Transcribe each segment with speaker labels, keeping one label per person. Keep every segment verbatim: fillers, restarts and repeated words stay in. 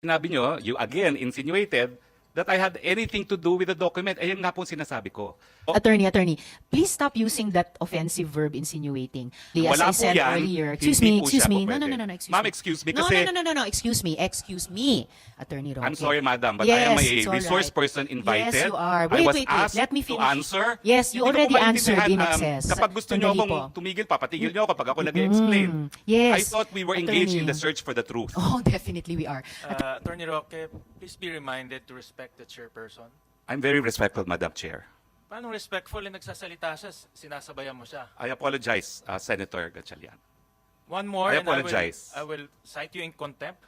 Speaker 1: Sinabi nyo, you again insinuated that I had anything to do with the document. Ayun nga po sinasabi ko. O,
Speaker 2: Attorney, attorney, please stop using that offensive verb insinuating. As
Speaker 1: Wala
Speaker 2: I
Speaker 1: po
Speaker 2: said
Speaker 1: yan.
Speaker 2: earlier, excuse
Speaker 1: Hindi
Speaker 2: me,
Speaker 1: po
Speaker 2: excuse
Speaker 1: siya
Speaker 2: me.
Speaker 1: po
Speaker 2: No, no,
Speaker 1: pwede.
Speaker 2: no, no, no, excuse
Speaker 1: Ma'am,
Speaker 2: me.
Speaker 1: excuse me
Speaker 2: No,
Speaker 1: kasi-
Speaker 2: no, no, no, no, no, excuse me, excuse me, Attorney Roque.
Speaker 1: I'm sorry, madam, but
Speaker 2: yes,
Speaker 1: I am a
Speaker 2: it's all
Speaker 1: resource
Speaker 2: right.
Speaker 1: person invited.
Speaker 2: Yes, you are.
Speaker 1: I
Speaker 2: Wait,
Speaker 1: was
Speaker 2: wait, wait.
Speaker 1: asked
Speaker 2: Let me
Speaker 1: to
Speaker 2: finish.
Speaker 1: answer.
Speaker 2: Yes, you
Speaker 1: Hindi ko
Speaker 2: already
Speaker 1: po
Speaker 2: answered in
Speaker 1: maintindihan, um,
Speaker 2: excess.
Speaker 1: Kapag gusto nyo
Speaker 2: Sandali
Speaker 1: akong
Speaker 2: po.
Speaker 1: tumigil, papatigil nyo ako kapag ako nag-explain.
Speaker 2: Mm, yes.
Speaker 1: I thought we were engaged in the
Speaker 2: Attorney.
Speaker 1: search for the truth.
Speaker 2: Oh, definitely we are.
Speaker 3: Uh, Attorney Roque, please be reminded to respect the chairperson.
Speaker 1: I'm very respectful, Madam Chair.
Speaker 3: Paano respectful na nagsasalita siya, sinasabayan mo siya?
Speaker 1: I apologize, uh, Senator Gatchalian.
Speaker 3: One more,
Speaker 1: I
Speaker 3: and I will,
Speaker 1: apologize.
Speaker 3: I will cite you in contempt.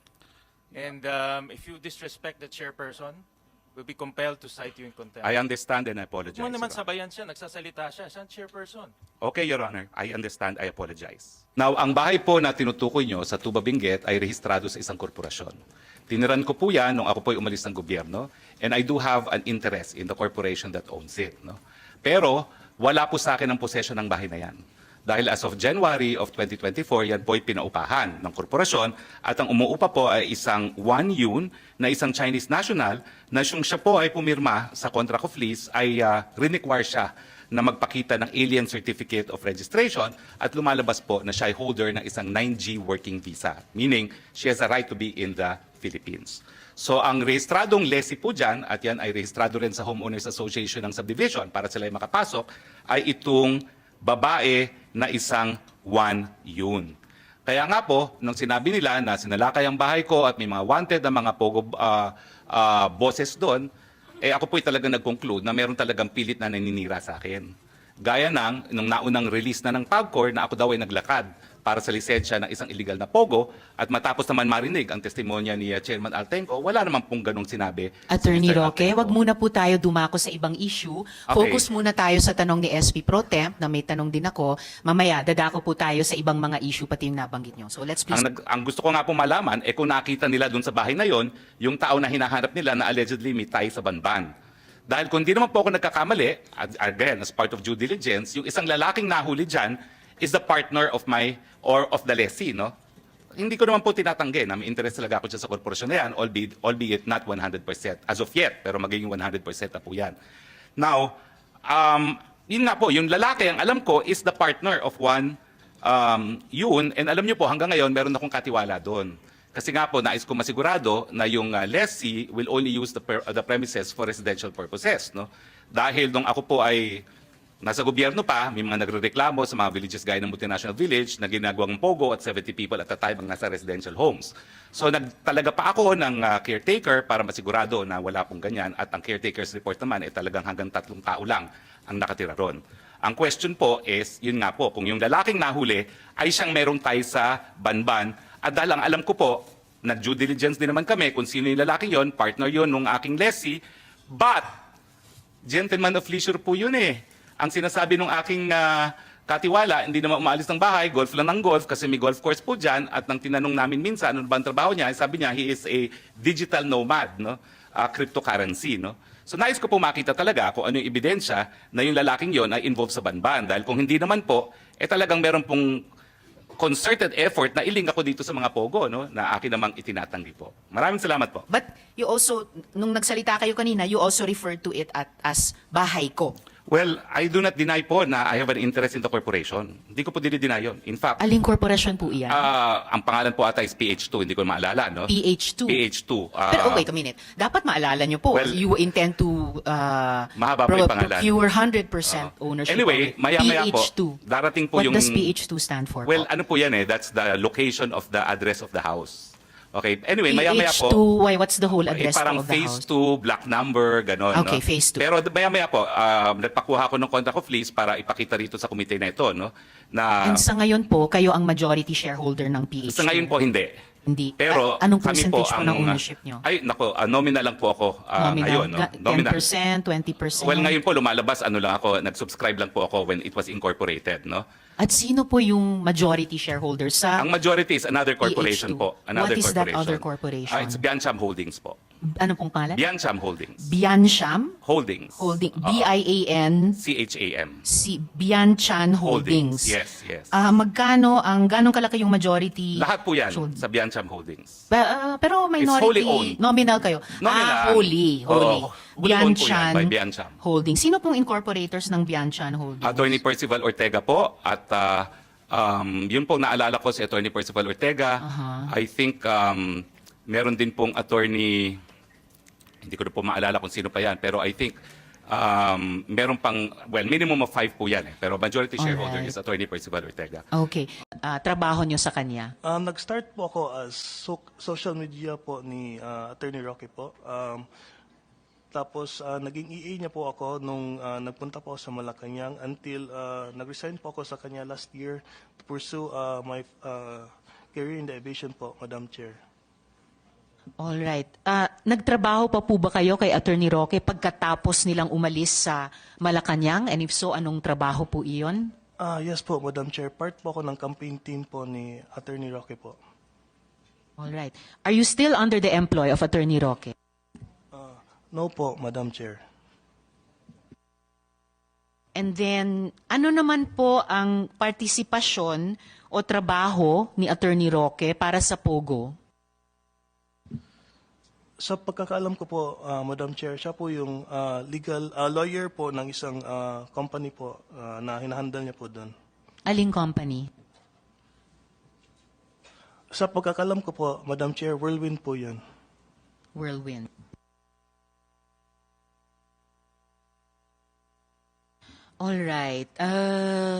Speaker 3: And um, if you disrespect the chairperson, we'll be compelled to cite you in contempt.
Speaker 1: I understand and I apologize.
Speaker 3: Huwag mo naman
Speaker 1: Your Honor.
Speaker 3: sabayan siya, nagsasalita siya, siya ang chairperson.
Speaker 1: Okay, Your Honor. I understand. I apologize. Now, ang bahay po na tinutukoy nyo sa Tuba Benguet ay rehistrado sa isang korporasyon. Tiniran ko po yan nung ako po'y umalis ng gobyerno, and I do have an interest in the corporation that owns it. No? Pero wala po sa akin ang possession ng bahay na yan. Dahil as of January of twenty twenty-four, yan po'y pinaupahan ng korporasyon at ang umuupa po ay isang Wan Yun na isang Chinese national na siyang siya po ay pumirma sa contract of lease ay uh, require siya na magpakita ng alien certificate of registration at lumalabas po na siya ay holder ng isang nine G working visa. Meaning, she has a right to be in the Philippines. So ang rehistradong lessee po dyan, at yan ay rehistrado rin sa Homeowners Association ng Subdivision para sila ay makapasok, ay itong babae na isang Wan Yun. Kaya nga po, nung sinabi nila na sinalakay ang bahay ko at may mga wanted na mga pogo uh, uh, bosses doon, eh ako po'y talagang nag-conclude na meron talagang pilit na naninira sa akin. Gaya ng, nung naunang release na ng PAGCOR na ako daw ay naglakad para sa lisensya ng isang illegal na pogo at matapos naman marinig ang testimonya ni uh, Chairman Altenco, wala naman pong ganong sinabi.
Speaker 2: Attorney
Speaker 1: si Mister
Speaker 2: Roque,
Speaker 1: Altenco.
Speaker 2: wag muna po tayo dumako sa ibang issue.
Speaker 1: Okay.
Speaker 2: Focus muna tayo sa tanong ni S P Pro Temp na may tanong din ako. Mamaya, dadako po tayo sa ibang mga issue pati yung nabanggit nyo. So let's please.
Speaker 1: Ang, nag- ang gusto ko nga po malaman, eh kung nakita nila dun sa bahay na yon, yung tao na hinahanap nila na allegedly may tie sa banban. Dahil kung di naman po ako nagkakamali, ag- again, as part of due diligence, yung isang lalaking nahuli dyan is the partner of my, or of the lessee, no? Hindi ko naman po tinatanggi na may interest talaga ako dyan sa korporasyon na yan, albeit, albeit not one hundred percent as of yet, pero magiging one hundred percent na po yan. Now, um, yun nga po, yung lalaki, ang alam ko, is the partner of one um, yun, and alam niyo po, hanggang ngayon, meron akong katiwala doon. Kasi nga po, nais ko masigurado na yung uh, lessee will only use the, per, uh, the premises for residential purposes. No? Dahil nung ako po ay nasa gobyerno pa, may mga nagrereklamo sa mga villages gaya ng Multinational Village na ginagawang pogo at seventy people at a time ang nasa residential homes. So nagtalaga pa ako ng uh, caretaker para masigurado na wala pong ganyan at ang caretaker's report naman ay talagang hanggang tatlong tao lang ang nakatira ron. Ang question po is, yun nga po, kung yung lalaking nahuli ay siyang merong tie sa banban at dahil ang alam ko po, nag-due diligence din naman kami kung sino yung lalaking yon, partner yon nung aking lessee, but gentleman of leisure po yun eh. Ang sinasabi ng aking uh, katiwala, hindi naman umaalis ng bahay, golf lang ng golf kasi may golf course po dyan at nang tinanong namin minsan ano ba ang trabaho niya, sabi niya he is a digital nomad, no? Uh, cryptocurrency. No? So nais ko po makita talaga kung ano yung ebidensya na yung lalaking yon ay involved sa banban dahil kung hindi naman po, eh talagang meron pong concerted effort na iling ako dito sa mga pogo no, na akin namang itinatanggi po. Maraming salamat po.
Speaker 2: But you also, nung nagsalita kayo kanina, you also referred to it at, as bahay ko.
Speaker 1: Well, I do not deny po na I have an interest in the corporation. Hindi ko po dinideny yun. In fact,
Speaker 2: Aling korporasyon po iyan?
Speaker 1: ah, ang pangalan po ata is P H two, hindi ko maalala, no?
Speaker 2: P H two.
Speaker 1: P H two. ah,
Speaker 2: Pero oh, wait a minute. Dapat maalala nyo po,
Speaker 1: Well,
Speaker 2: you intend to uh,
Speaker 1: mahaba po yung pangalan.
Speaker 2: procure one hundred percent
Speaker 1: Oo.
Speaker 2: ownership
Speaker 1: Anyway,
Speaker 2: of it.
Speaker 1: maya-maya po,
Speaker 2: P H two.
Speaker 1: darating po
Speaker 2: What
Speaker 1: yung-
Speaker 2: does P H two stand for
Speaker 1: Well,
Speaker 2: po?
Speaker 1: ano po yan eh, that's the location of the address of the house. Okay, anyway,
Speaker 2: P
Speaker 1: maya-maya
Speaker 2: H
Speaker 1: po.
Speaker 2: two, why, what's the whole
Speaker 1: Eh,
Speaker 2: address
Speaker 1: parang
Speaker 2: of the
Speaker 1: phase
Speaker 2: house?
Speaker 1: two, black number, gano'n.
Speaker 2: Okay,
Speaker 1: no?
Speaker 2: phase two.
Speaker 1: Pero maya-maya po, um, nagpakuha ko ng contract of lease para ipakita rito sa komite na ito, no? Na
Speaker 2: And sa ngayon po, kayo ang majority shareholder ng P H two.
Speaker 1: sa ngayon po hindi.
Speaker 2: Hindi.
Speaker 1: Pero
Speaker 2: A- anong
Speaker 1: kami po
Speaker 2: percentage po,
Speaker 1: ang
Speaker 2: ng ownership nyo?
Speaker 1: Ay, nako, ah, nominal lang po ako ah, ngayon, no?
Speaker 2: Ga-
Speaker 1: Nominal.
Speaker 2: ten percent, twenty percent?
Speaker 1: Well, ngayon po lumalabas ano lang ako, nag-subscribe lang po ako when it was incorporated, no?
Speaker 2: At sino po yung majority shareholder sa
Speaker 1: Ang majority is another corporation
Speaker 2: P H two.
Speaker 1: po. Another
Speaker 2: What is that
Speaker 1: corporation.
Speaker 2: other corporation?
Speaker 1: Ah, it's Biancham Holdings po.
Speaker 2: Ano pong pangalan?
Speaker 1: Biancham Holdings.
Speaker 2: Biancham
Speaker 1: Holdings.
Speaker 2: Holding.
Speaker 1: Oo.
Speaker 2: B I A N
Speaker 1: C H A M.
Speaker 2: si Bianchan Holdings.
Speaker 1: Yes, yes.
Speaker 2: Ah, magkano ang ganong kalaki yung majority?
Speaker 1: Lahat po yan
Speaker 2: Holding.
Speaker 1: sa Biancham Holdings.
Speaker 2: Ba- ah, pero
Speaker 1: wholly
Speaker 2: minority
Speaker 1: owned.
Speaker 2: nominal kayo.
Speaker 1: Nominal.
Speaker 2: Ah, wholly, wholly.
Speaker 1: Oo, wholly owned po yan
Speaker 2: Bianchan
Speaker 1: by Biancham.
Speaker 2: Holdings. Sino pong incorporators ng Bianchan Holdings?
Speaker 1: Attorney Percival Ortega po at ah, um, yun po naalala ko si Attorney Percival Ortega.
Speaker 2: Aha.
Speaker 1: I think um, meron din pong attorney, hindi ko na po maalala kung sino pa yan, pero I think um, meron pang, well, minimum of five po yan eh, pero majority shareholder
Speaker 2: Alright.
Speaker 1: is Attorney Percival Ortega.
Speaker 2: Okay. Ah, trabaho nyo sa kanya?
Speaker 4: Um, nag-start po ako as so- social media po ni uh, Attorney Roque po. Um, tapos uh, naging E A niya po ako nung uh, nagpunta po ako sa Malacanang until uh, nag-resign po ako sa kanya last year to pursue uh, my uh, career in the aviation po, Madam Chair.
Speaker 2: All right. Ah, nagtrabaho pa po ba kayo kay Attorney Roque pagkatapos nilang umalis sa Malacanang? And if so, anong trabaho po iyon?
Speaker 4: Ah, yes po, Madam Chair. Part po ako ng campaign team po ni Attorney Roque po.
Speaker 2: All right. Are you still under the employ of Attorney Roque?
Speaker 4: Ah, no po, Madam Chair.
Speaker 2: And then, ano naman po ang partisipasyon o trabaho ni Attorney Roque para sa Pogo?
Speaker 4: Sa pagkakaalam ko po, ah, Madam Chair, siya po yung ah, legal ah, lawyer po ng isang ah, company po ah, na hinahandle niya po doon.
Speaker 2: Aling company?
Speaker 4: Sa pagkakalam ko po, Madam Chair, Whirlwind po yun.
Speaker 2: Whirlwind. All right. Uh,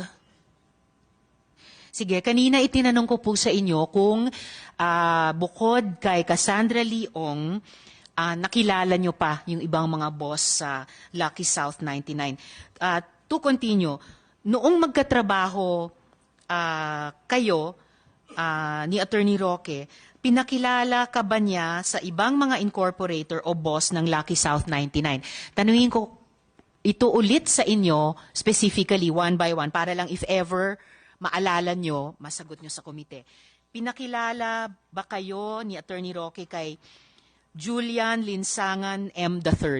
Speaker 2: sige, kanina itinanong ko po sa inyo kung ah, bukod kay Cassandra Leong, ah, nakilala nyo pa yung ibang mga boss sa Lucky South ninety-nine. Ah, to continue, noong magkatrabaho ah, kayo ah, ni Attorney Roque, pinakilala ka ba niya sa ibang mga incorporator o boss ng Lucky South ninety-nine? Tanungin ko ito ulit sa inyo, specifically, one by one, para lang if ever maalala nyo, masagot nyo sa komite. Pinakilala ba kayo ni Attorney Roque kay Julian Linsangan M. the third?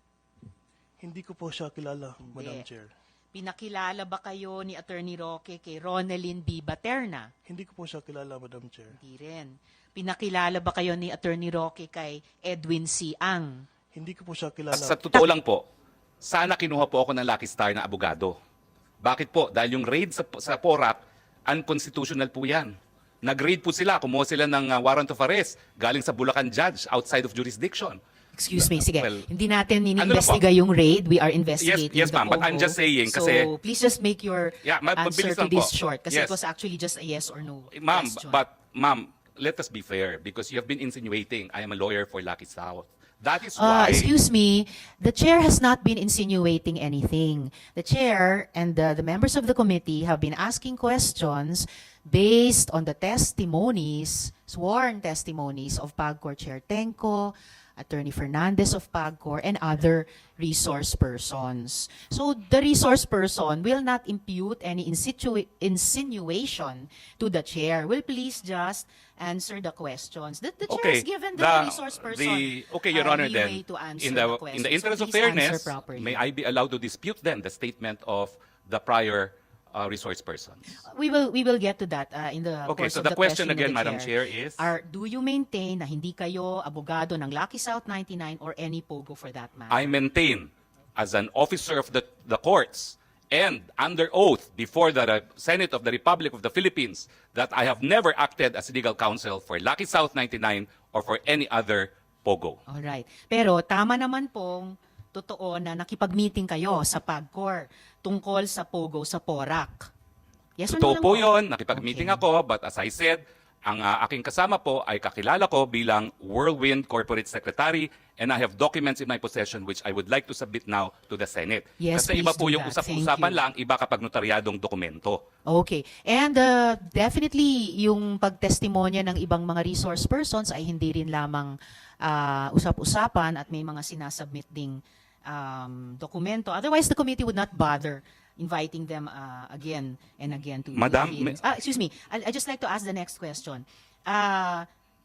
Speaker 4: Hindi ko po siya kilala, Madam
Speaker 2: Hindi.
Speaker 4: Chair.
Speaker 2: Pinakilala ba kayo ni Attorney Roque kay Ronaldin B. Baterna?
Speaker 4: Hindi ko po siya kilala, Madam Chair.
Speaker 2: Hindi rin. Pinakilala ba kayo ni Attorney Roque kay Edwin C. Ang?
Speaker 4: Hindi ko po siya kilala.
Speaker 1: Sa totoo lang po, sana kinuha po ako ng Lucky Star na abogado. Bakit po? Dahil yung raid sa, sa Porac, unconstitutional po yan. Nag-raid po sila, kumuha sila ng uh, warrant of arrest galing sa Bulacan judge outside of jurisdiction.
Speaker 2: Excuse me, sige.
Speaker 1: Well,
Speaker 2: Hindi natin
Speaker 1: ano
Speaker 2: ininvestiga yung raid. We are
Speaker 1: Yes,
Speaker 2: investigating
Speaker 1: yes,
Speaker 2: the
Speaker 1: ma'am, but I'm
Speaker 2: Pogo.
Speaker 1: just saying
Speaker 2: so,
Speaker 1: kasi-
Speaker 2: please just make your
Speaker 1: Yeah, ma-
Speaker 2: answer
Speaker 1: mabilis
Speaker 2: to
Speaker 1: lang
Speaker 2: this
Speaker 1: po.
Speaker 2: short. Kasi
Speaker 1: Yes.
Speaker 2: it was actually just a yes or no
Speaker 1: Ma'am,
Speaker 2: question.
Speaker 1: but ma'am, let us be fair because you have been insinuating I am a lawyer for Lucky South. That is
Speaker 2: Uh,
Speaker 1: why...
Speaker 2: excuse me, the chair has not been insinuating anything. The chair and the, the members of the committee have been asking questions based on the testimonies, sworn testimonies of PAGCOR Chair Tenco, Attorney Fernandez of PAGCOR, and other resource persons. So the resource person will not impute any insitu- insinuation to the chair. Will please just answer the questions. The, the chair
Speaker 1: Okay,
Speaker 2: has given the,
Speaker 1: the-
Speaker 2: resource person
Speaker 1: the- okay, Your
Speaker 2: uh,
Speaker 1: Honor,
Speaker 2: leeway
Speaker 1: then,
Speaker 2: to answer
Speaker 1: in the,
Speaker 2: the
Speaker 1: in the
Speaker 2: questions.
Speaker 1: interest
Speaker 2: So
Speaker 1: of
Speaker 2: please answer
Speaker 1: fairness,
Speaker 2: properly.
Speaker 1: may I be allowed to dispute then the statement of the prior uh, resource persons?
Speaker 2: We will we will get to that uh, in the
Speaker 1: Okay,
Speaker 2: course
Speaker 1: so
Speaker 2: of
Speaker 1: the
Speaker 2: the
Speaker 1: question
Speaker 2: question of
Speaker 1: again,
Speaker 2: the
Speaker 1: Madam Chair, is-
Speaker 2: Are, do you maintain na hindi kayo abogado ng Lucky South ninety-nine or any Pogo for that matter?
Speaker 1: I maintain as an officer of the, the courts and under oath before the Re- Senate of the Republic of the Philippines that I have never acted as legal counsel for Lucky South ninety-nine or for any other Pogo.
Speaker 2: Alright. Pero tama naman pong totoo na nakipag-meeting kayo sa PAGCOR tungkol sa Pogo sa Porac. Yes or no
Speaker 1: Totoo
Speaker 2: lang
Speaker 1: po yun, nakipag-meeting
Speaker 2: Okay.
Speaker 1: ako, but as I said, ang uh, aking kasama po ay kakilala ko bilang Whirlwind Corporate Secretary and I have documents in my possession which I would like to submit now to the Senate.
Speaker 2: Yes,
Speaker 1: Kasi iba
Speaker 2: please
Speaker 1: po
Speaker 2: do
Speaker 1: yung
Speaker 2: that.
Speaker 1: usap-usapan
Speaker 2: Thank you.
Speaker 1: lang, iba kapag notaryadong dokumento.
Speaker 2: Okay. And uh, definitely, yung pagtestimonya ng ibang mga resource persons ay hindi rin lamang uh, usap-usapan at may mga sinasubmit ding um, dokumento. Otherwise, the committee would not bother inviting them uh, again and again to
Speaker 1: Madam,
Speaker 2: hearings. Ah, excuse me. I, I just like to ask the next question. Uh,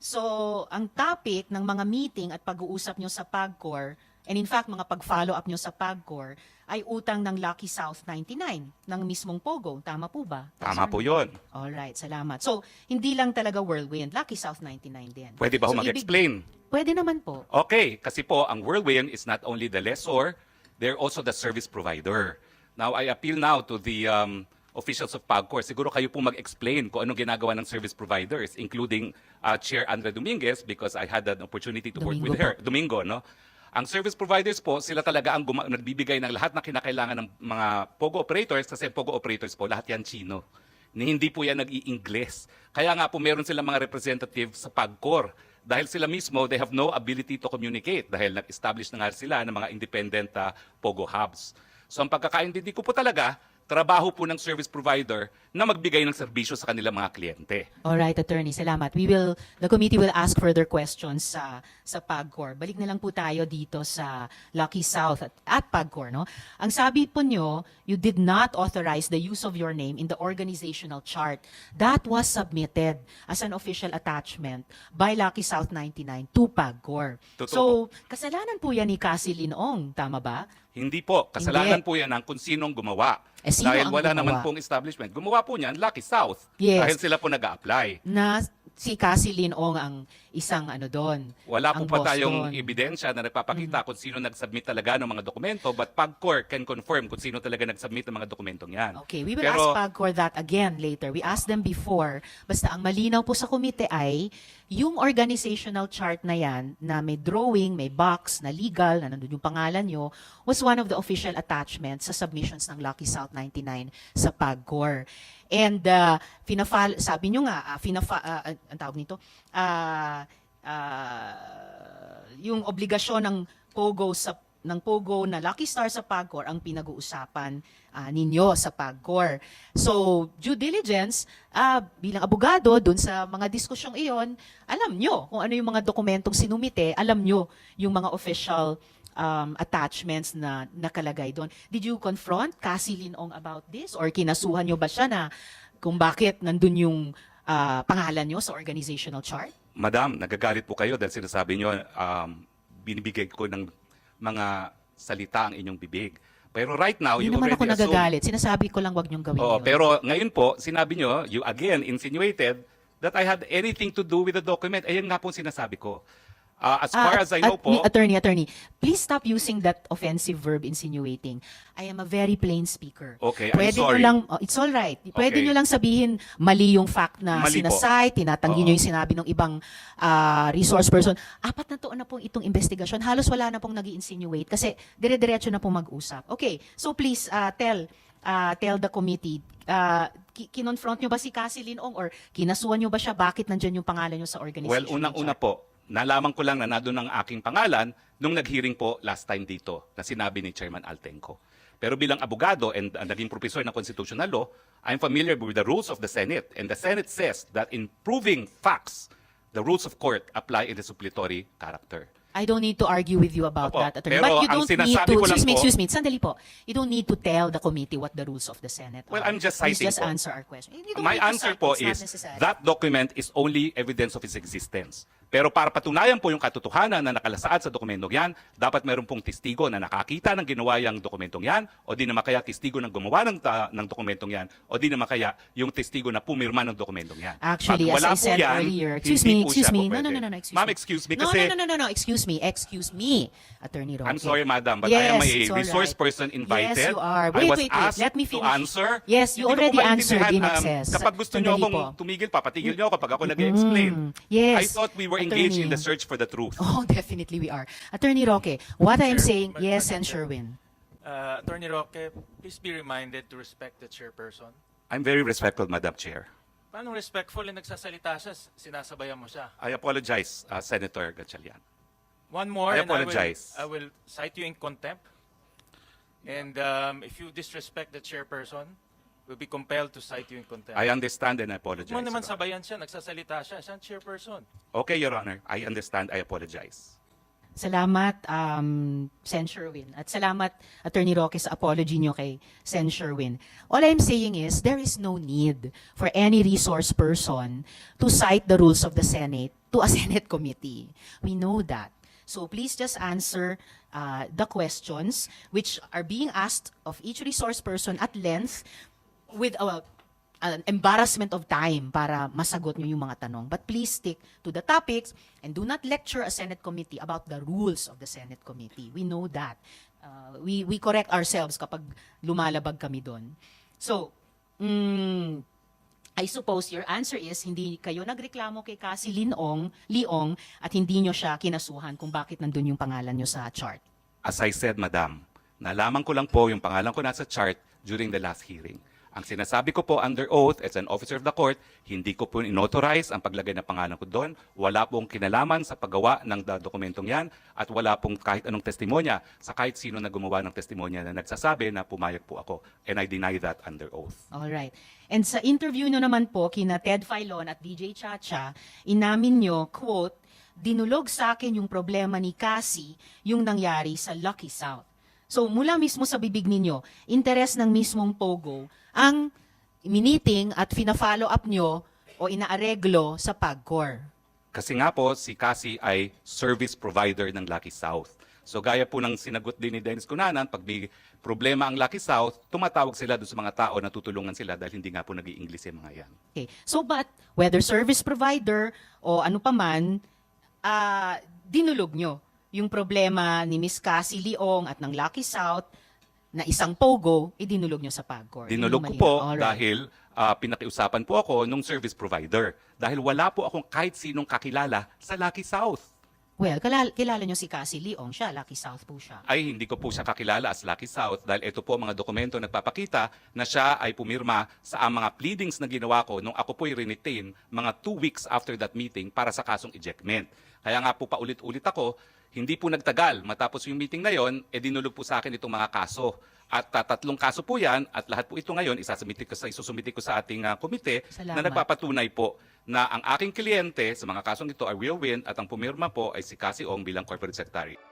Speaker 2: So, ang topic ng mga meeting at pag-uusap nyo sa PAGCOR, and in fact, mga pag-follow up nyo sa PAGCOR, ay utang ng Lucky South ninety-nine, ng mismong Pogo. Tama po ba?
Speaker 1: Tama po yun.
Speaker 2: Alright, salamat. So, hindi lang talaga Whirlwind, Lucky South ninety-nine din.
Speaker 1: Pwede ba ho
Speaker 2: So, ibig-
Speaker 1: mag-explain?
Speaker 2: Pwede naman po.
Speaker 1: Okay, kasi po ang Whirlwind is not only the lessor, they're also the service provider. Now, I appeal now to the um, officials of PAGCOR. Siguro kayo po mag-explain kung anong ginagawa ng service providers, including uh, Chair Andrea Dominguez, because I had an opportunity to work
Speaker 2: Domingo
Speaker 1: with her.
Speaker 2: po.
Speaker 1: Domingo, no? Ang service providers po, sila talaga ang guma- nagbibigay ng lahat na kinakailangan ng mga POGO operators, kasi POGO operators po, lahat yan Chino. Ni hindi po yan nag-i-Ingles. Kaya nga po meron silang mga representative sa PAGCOR. Dahil sila mismo, they have no ability to communicate dahil nag-establish na nga sila ng mga independent uh, POGO hubs. So ang pagkakaintindi ko po talaga, trabaho po ng service provider na magbigay ng serbisyo sa kanilang mga kliyente.
Speaker 2: Alright, attorney, salamat. We will, the committee will ask further questions sa sa PAGCOR. Balik na lang po tayo dito sa Lucky South at, at PAGCOR, no? Ang sabi po nyo, you did not authorize the use of your name in the organizational chart. That was submitted as an official attachment by Lucky South ninety-nine to PAGCOR.
Speaker 1: Totoo
Speaker 2: So, kasalanan po yan ni Cassie Linong, tama ba?
Speaker 1: Hindi po. Kasalanan
Speaker 2: Hindi.
Speaker 1: po yan ng kung sinong gumawa.
Speaker 2: Eh, sino
Speaker 1: dahil
Speaker 2: ang
Speaker 1: wala
Speaker 2: gumawa?
Speaker 1: naman pong establishment. Gumawa po niyan, Lucky South.
Speaker 2: Yes.
Speaker 1: Dahil sila po nag-a-apply.
Speaker 2: Na si Cassie Linong ang isang ano doon.
Speaker 1: Wala po
Speaker 2: ang
Speaker 1: pa
Speaker 2: boss
Speaker 1: tayong
Speaker 2: doon.
Speaker 1: ebidensya na nagpapakita kung sino nag-submit talaga ng mga dokumento, but PAGCOR can confirm kung sino talaga nag-submit ng mga dokumentong yan.
Speaker 2: Okay, we will
Speaker 1: Pero,
Speaker 2: ask PAGCOR that again later. We asked them before. Basta ang malinaw po sa komite ay yung organizational chart na yan na may drawing, may box na legal, na nandun yung pangalan nyo, was one of the official attachments sa submissions ng Lucky South ninety-nine sa PAGCOR. And uh, finafal, sabi nyo nga, uh, finafa, uh, ang tawag nito, uh, uh, yung obligasyon ng Pogo sa ng Pogo na Lucky Star sa PAGCOR ang pinag-uusapan ah, ninyo sa PAGCOR. So, due diligence, ah, bilang abogado, dun sa mga diskusyong iyon, alam nyo kung ano yung mga dokumentong sinumite, alam nyo yung mga official um, attachments na nakalagay doon. Did you confront Cassie Linong about this? Or kinasuhan nyo ba siya na kung bakit nandun yung ah, pangalan nyo sa organizational chart?
Speaker 1: Madam, nagagalit po kayo dahil sinasabi nyo, um, binibigay ko ng mga salita ang inyong bibig. Pero right now,
Speaker 2: Hindi
Speaker 1: you
Speaker 2: naman ako
Speaker 1: already assume...
Speaker 2: nagagalit. Sinasabi ko lang wag nyong gawin
Speaker 1: Oo,
Speaker 2: yun.
Speaker 1: pero ngayon po, sinabi nyo, you again insinuated that I had anything to do with the document. Ayun nga po ang sinasabi ko. Uh, as far
Speaker 2: Ah,
Speaker 1: as I
Speaker 2: at-
Speaker 1: know po,
Speaker 2: at- Attorney, attorney, please stop using that offensive verb insinuating. I am a very plain speaker.
Speaker 1: Okay, I'm
Speaker 2: Pwede
Speaker 1: sorry.
Speaker 2: nyo lang, oh, it's all right. Pwede
Speaker 1: Okay.
Speaker 2: nyo lang sabihin mali yung fact na
Speaker 1: Mali po.
Speaker 2: sinasite, tinatanggi
Speaker 1: Oo.
Speaker 2: nyo yung sinabi ng ibang ah, resource person. Apat na taon na pong itong investigasyon. Halos wala na pong nag insinuate kasi dire-diretso na pong mag-usap. Okay, so please ah, tell ah, tell the committee, uh, kinonfront nyo ba si Cassie Linong or kinasuhan nyo ba siya? Bakit nandyan yung pangalan nyo sa organization?
Speaker 1: well, unang-una po, nalaman ko lang na nandun ang aking pangalan nung nag-hearing po last time dito na sinabi ni Chairman Altenco. Pero bilang abogado and uh, naging professor ng constitutional law, I'm familiar with the rules of the Senate. And the Senate says that in proving facts, the rules of court apply in the suppletory character.
Speaker 2: I don't need to argue with you about
Speaker 1: Opo,
Speaker 2: that, attorney.
Speaker 1: pero
Speaker 2: But you
Speaker 1: ang
Speaker 2: don't need
Speaker 1: sinasabi
Speaker 2: to,
Speaker 1: ko lang
Speaker 2: excuse me,
Speaker 1: po-
Speaker 2: excuse me, sandali po. You don't need to tell the committee what the rules of the Senate
Speaker 1: Well,
Speaker 2: are.
Speaker 1: I'm just
Speaker 2: Please
Speaker 1: citing
Speaker 2: just
Speaker 1: po.
Speaker 2: answer our question. You don't
Speaker 1: My
Speaker 2: need to
Speaker 1: answer
Speaker 2: cite,
Speaker 1: po
Speaker 2: it's not
Speaker 1: is
Speaker 2: necessary.
Speaker 1: that document is only evidence of its existence. Pero para patunayan po yung katotohanan na nakalasaad sa dokumentong yan, dapat meron pong testigo na nakakita ng ginawa yung dokumentong yan, o di naman kaya testigo ng gumawa ng, ta- ng dokumentong yan, o di naman kaya yung testigo na pumirma ng dokumentong yan.
Speaker 2: Actually,
Speaker 1: Pag
Speaker 2: as
Speaker 1: wala
Speaker 2: I
Speaker 1: po
Speaker 2: said
Speaker 1: yan,
Speaker 2: earlier, excuse
Speaker 1: hindi
Speaker 2: me,
Speaker 1: po
Speaker 2: excuse
Speaker 1: siya
Speaker 2: me.
Speaker 1: po
Speaker 2: No, no,
Speaker 1: pwede.
Speaker 2: no, no, no, excuse
Speaker 1: Ma'am,
Speaker 2: me.
Speaker 1: excuse me
Speaker 2: No,
Speaker 1: kasi...
Speaker 2: no, no, no, no, no, excuse me, excuse me, Attorney Roque.
Speaker 1: I'm sorry, madam, but
Speaker 2: Yes,
Speaker 1: I am a
Speaker 2: it's all
Speaker 1: resource
Speaker 2: right.
Speaker 1: person invited.
Speaker 2: Yes, you are.
Speaker 1: I
Speaker 2: Wait,
Speaker 1: was
Speaker 2: wait, wait.
Speaker 1: asked
Speaker 2: Let me
Speaker 1: to
Speaker 2: finish.
Speaker 1: answer.
Speaker 2: Yes, you
Speaker 1: Hindi ko
Speaker 2: already
Speaker 1: po maintindihan,
Speaker 2: answered in
Speaker 1: um,
Speaker 2: excess.
Speaker 1: Kapag gusto niyo
Speaker 2: Sandali
Speaker 1: akong
Speaker 2: po.
Speaker 1: tumigil, papatigil niyo ako kapag ako nag-explain.
Speaker 2: Mm, yes,
Speaker 1: I thought we were engaged in the
Speaker 2: attorney.
Speaker 1: search for the truth.
Speaker 2: Oh, definitely we are. Attorney Roque, what I am
Speaker 3: Sir,
Speaker 2: saying,
Speaker 3: but-
Speaker 2: yes,
Speaker 3: but-
Speaker 2: and Sherwin.
Speaker 3: Uh, Attorney Roque, please be reminded to respect the chairperson.
Speaker 1: I'm very respectful, Madam Chair.
Speaker 3: Paano respectful na nagsasalita siya, sinasabayan mo siya?
Speaker 1: I apologize, uh, Senator Gatchalian.
Speaker 3: One more,
Speaker 1: I
Speaker 3: and I will,
Speaker 1: apologize.
Speaker 3: I will cite you in contempt. And um, if you disrespect the chairperson, we'll be compelled to cite you in contempt.
Speaker 1: I understand and I apologize.
Speaker 3: Huwag mo naman
Speaker 1: Your Honor.
Speaker 3: sabayan siya, nagsasalita siya, siya ang chairperson.
Speaker 1: Okay, Your Honor. I understand. I apologize.
Speaker 2: Salamat, um, Sen Sherwin. At salamat, Attorney Roque, sa apology nyo kay Sen Sherwin. All I'm saying is, there is no need for any resource person to cite the rules of the Senate to a Senate committee. We know that. So please just answer uh, the questions which are being asked of each resource person at length with a an embarrassment of time para masagot nyo yung mga tanong. But please stick to the topics and do not lecture a Senate committee about the rules of the Senate committee. We know that. Uh, we, we correct ourselves kapag lumalabag kami doon. So, mm, I suppose your answer is hindi kayo nagreklamo kay Cassie Linong, Leong at hindi nyo siya kinasuhan kung bakit nandun yung pangalan nyo sa chart.
Speaker 1: As I said, Madam, nalaman ko lang po yung pangalan ko nasa chart during the last hearing. Ang sinasabi ko po under oath as an officer of the court, hindi ko po inauthorize ang paglagay ng pangalan ko doon. Wala pong kinalaman sa paggawa ng da- dokumentong yan at wala pong kahit anong testimonya sa kahit sino na gumawa ng testimonya na nagsasabi na pumayag po ako. And I deny that under oath.
Speaker 2: All right. And sa interview nyo naman po kina Ted Filon at D J Chacha, inamin nyo, quote, dinulog sa akin yung problema ni Cassie yung nangyari sa Lucky South. So mula mismo sa bibig ninyo, interes ng mismong Pogo ang miniting at fina-follow up nyo o inaareglo sa PAGCOR.
Speaker 1: Kasi nga po, si Cassie ay service provider ng Lucky South. So gaya po ng sinagot din ni Dennis Cunanan, pag may problema ang Lucky South, tumatawag sila doon sa mga tao na tutulungan sila dahil hindi nga po nag-i-English yung mga yan.
Speaker 2: Okay. So but, whether service provider o ano pa man, ah, dinulog nyo yung problema ni Miss Cassie Leong at ng Lucky South na isang Pogo, idinulog nyo sa PAGCOR.
Speaker 1: Dinulog ko
Speaker 2: Yun yung
Speaker 1: po
Speaker 2: malinaw. Alright.
Speaker 1: dahil ah, pinakiusapan po ako nung service provider. Dahil wala po akong kahit sinong kakilala sa Lucky South.
Speaker 2: Well, kilala, kilala nyo si Cassie Leong, siya, Lucky South po siya.
Speaker 1: Ay hindi ko po siya kakilala as Lucky South dahil ito po mga dokumento nagpapakita na siya ay pumirma sa ang mga pleadings na ginawa ko nung ako po'y retain mga two weeks after that meeting para sa kasong ejectment. Kaya nga po paulit-ulit ako, hindi po nagtagal. Matapos yung meeting na yon, eh dinulog po sa akin itong mga kaso. At uh, tatlong kaso po yan, at lahat po ito ngayon, isasumiti ko sa, isusumiti ko sa ating uh, komite
Speaker 2: Salamat.
Speaker 1: na nagpapatunay po na ang aking kliyente sa mga kasong ito ay will win at ang pumirma po ay si Cassie Ong bilang corporate secretary.